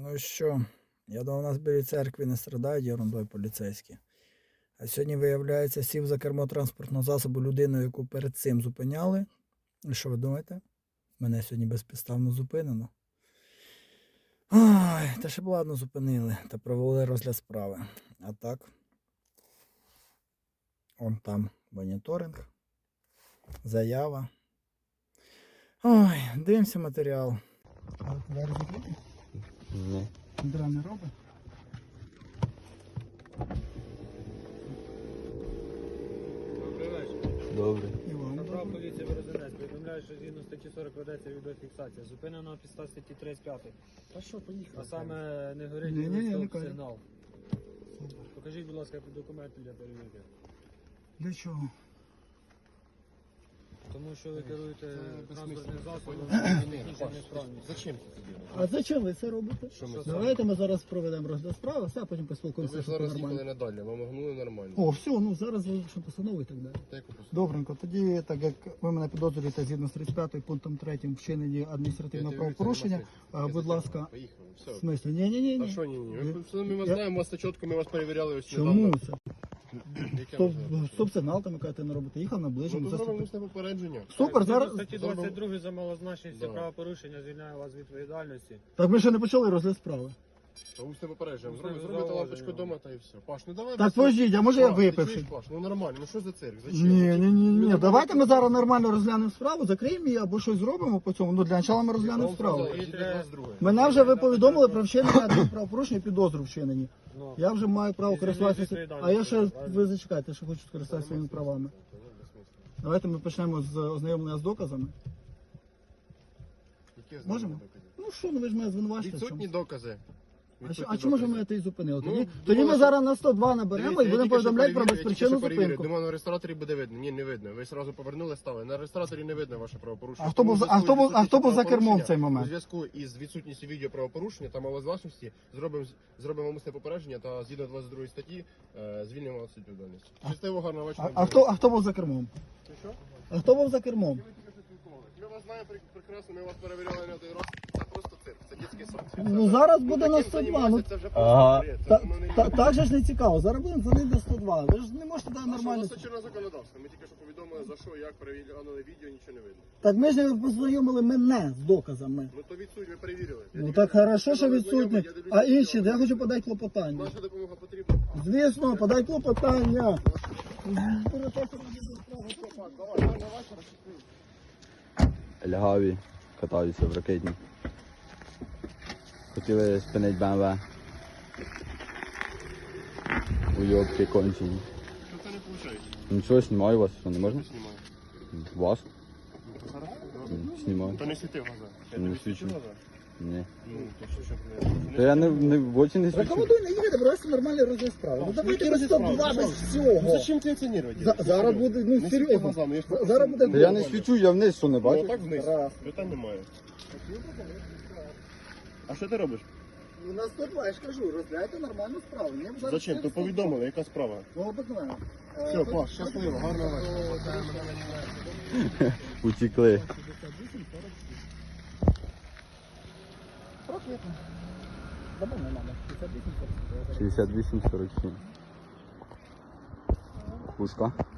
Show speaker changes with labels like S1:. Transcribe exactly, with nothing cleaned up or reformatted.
S1: Ну що, я думав, у нас біля церкви не страдають ерундою поліцейські. А сьогодні, виявляється, сів за кермо транспортного засобу людину, яку перед цим зупиняли. І що ви думаєте? Мене сьогодні безпідставно зупинено. Ой, та ще б ладно зупинили та провели розгляд справи. А так, он там моніторинг, заява. Ой, дивимося матеріал. А двері закриті?
S2: Ні.
S1: Дра не робить?
S3: Добрий вечір.
S2: Добре.
S1: Іван,
S3: Направ
S1: добре.
S3: поліція Березанець. Повідомляю, що згідно статті сорок ведеться відеофіксація. Зупинено підстав статті тридцять п'ять.
S1: Та що, поїхали?
S3: А саме не горить
S1: Ні, ні, ні, не
S3: стоп
S1: кажу.
S3: сигнал. Покажіть, будь ласка, документи для перевірки.
S1: Для чого?
S3: Тому що ви керуєте транспортним засобом, технічна несправність.
S2: Зачем це тобі?
S4: А зачем ви це робите?
S2: Що ми
S4: Давайте ми зараз проведемо розгляд справи, все, а потім
S2: Ви
S4: поспілкуємося,
S2: ж
S4: що
S2: зараз
S4: це
S2: їхали
S4: нормально.
S2: не далі, вам огнули нормально.
S4: О, все, ну зараз вилучимо постанову і так далі.
S2: Та яку постанову?
S4: Добренько, тоді, так як ви мене підозрюєте згідно з тридцять п'ятим пунктом третім вчиненні адміністративного
S2: Я
S4: правопорушення,
S2: дивлюся,
S4: а,
S2: я
S4: будь
S2: затягнув.
S4: ласка,
S2: Поїхали,
S4: в
S2: все.
S4: смислі, ні-ні-ні.
S2: Та що ні-ні?
S4: Я-
S2: Ви- все, Ми вас
S4: я-
S2: знаємо, вас на чітко, ми вас перевіряли ось
S4: Чому
S2: недавно.
S4: це?
S2: Яке
S4: Стоп,
S2: можливо?
S4: стоп-сигнал там, яка ти не робите, їхав
S2: Ну,
S4: наближимо.
S2: то зробимо усне попередження.
S4: Супер, зараз...
S3: Згідно статті двадцять два за малозначність
S2: Да.
S3: правопорушення звільняє вас від відповідальності.
S4: Так ми ще не почали розгляд справи.
S2: Та усне попередження.
S3: Усне
S2: Зробите зробите
S3: зауваження.
S2: лампочку вдома та і все. Паш, ну давай.
S4: Так
S2: без-
S4: подождіть, а може я
S2: Паш, ти
S4: випивши?
S2: чуєш, Паш, ну нормально, ну що за цирк? Зачем?
S4: Ні, ні, ні, ні.
S2: Ну,
S4: Давайте ми зараз нормально розглянемо справу, закриємо її або щось зробимо по цьому. Ну для початку ми
S2: Я
S4: розглянемо
S2: вам
S4: справу.
S2: сказав, йдіть двадцять друге.
S4: Мене вже ви повідомили про вчинення адмінправопорушення і підозру вчинені.
S3: Ну,
S4: Я вже маю право
S3: І
S4: користуватися.
S3: звільнити
S4: А я ще,
S3: відповідальність,
S4: ви зачекайте, що хочу скористатися своїми правами. Давайте ми почнемо з ознайомлення з доказами.
S2: Які
S4: Можемо?
S2: докази?
S4: Ну що, ну ви ж мене звинувачите. в
S2: Відсутні
S4: чому?
S2: докази.
S4: А, що-
S2: Відсутні
S4: а чому ж ви
S2: докази.
S4: мене тоді зупинили?
S2: Ну,
S4: Тоді,
S2: думала,
S4: тоді ми
S2: що-
S4: зараз на сто два наберемо
S2: Дивіться,
S4: і
S2: я
S4: будемо
S2: тільки що
S4: повідомляти про
S2: перевірив, я тільки
S4: безпричинну
S2: що перевірив.
S4: зупинку.
S2: Думаю, на реєстраторі буде видно. Ні, не видно. Ви одразу повернули, стали. На реєстраторі не видно ваше правопорушення.
S4: А хто був за- а хто був- а хто був за кермом в цей
S2: У
S4: момент?
S2: зв'язку із відсутністю відео правопорушення та малозважності зробимо зробимо умисне попередження та згідно двадцять другої статті е, звільнимо вас від відповідальності. Щасливо, гарного
S4: А,
S2: вечора.
S4: а, хто, а хто був за кермом?
S2: Ти що?
S4: А хто був за кермом?
S2: Ми тільки що спілкувалися. Ми вас знаємо прек- прекрасно, ми вас перевіряли не один раз. Це просто цирк, це дитячий сад.
S4: Ну зараз буде на
S2: таким
S4: сто два. Ну,
S2: займатися, це вже просто просто
S4: та,
S2: бред. Це воно не
S4: та,
S2: є.
S4: так же ж не цікаво. Зараз будемо дзвонити на сто два. Ви ж не можете дати
S2: А що у
S4: нормально.
S2: нас чинне законодавство? Ми тільки що повідомили за що, як перевіряли відео, нічого не видно.
S4: Так ми ж не познайомили мене з доказами.
S2: Ну то відсуть, ви перевірили. Я
S4: Ну
S2: тільки
S4: так
S2: що
S4: хорошо, що
S2: сказав,
S4: відсутні.
S2: знайомий, я дивлюся,
S4: А
S2: відео.
S4: інші, я хочу подати клопотання.
S2: Наша допомога потрібна.
S4: Звісно, подай клопотання.
S5: Лягаві катаються в ракетні. Хотіли спинити БМВ. Уйобки кончені.
S2: Що це не виходить?
S5: Нічого, знімаю вас, що не можна?
S2: Знімаю.
S5: Вас?
S2: Зараз?
S5: М, Знімаю.
S2: То не світи в глаза. Я
S5: Не
S2: тобі
S5: свічу.
S2: свічу в глаза?
S5: Ні.
S2: Ну, то що, щоб не...
S5: Та я не, не в очі не свічу.
S4: Рекомендую не їхати, просто нормальний розгляд справи. Ну давайте
S2: який
S4: без
S2: розгляд
S4: сто два,
S2: справи?
S4: без
S2: Ну
S4: всього.
S2: зачем ти оцінювати?
S4: За- зараз буде, ну,
S2: Не світи
S4: серйозно.
S2: глазами, я ж
S4: За-
S2: просто-
S4: зараз буде
S5: Та я не свічу, я вниз, що не
S2: Ну
S5: бачу.
S2: так вниз.
S4: Раз.
S2: Питань немає. А що ти робиш?
S4: Ну на сто два, я ж кажу, розглядайте нормальну справу. Мені б зараз
S2: Зачем?
S4: все
S2: То
S4: сто два.
S2: повідомили, яка справа?
S4: Ну обикновено.
S2: Все, Паш, щасливо, гарного вечора.
S5: Утікли.
S4: Проквітно. Забув не надо. п'ятдесят вісім сорок.
S5: шістдесят вісім сорок сім. Пушка.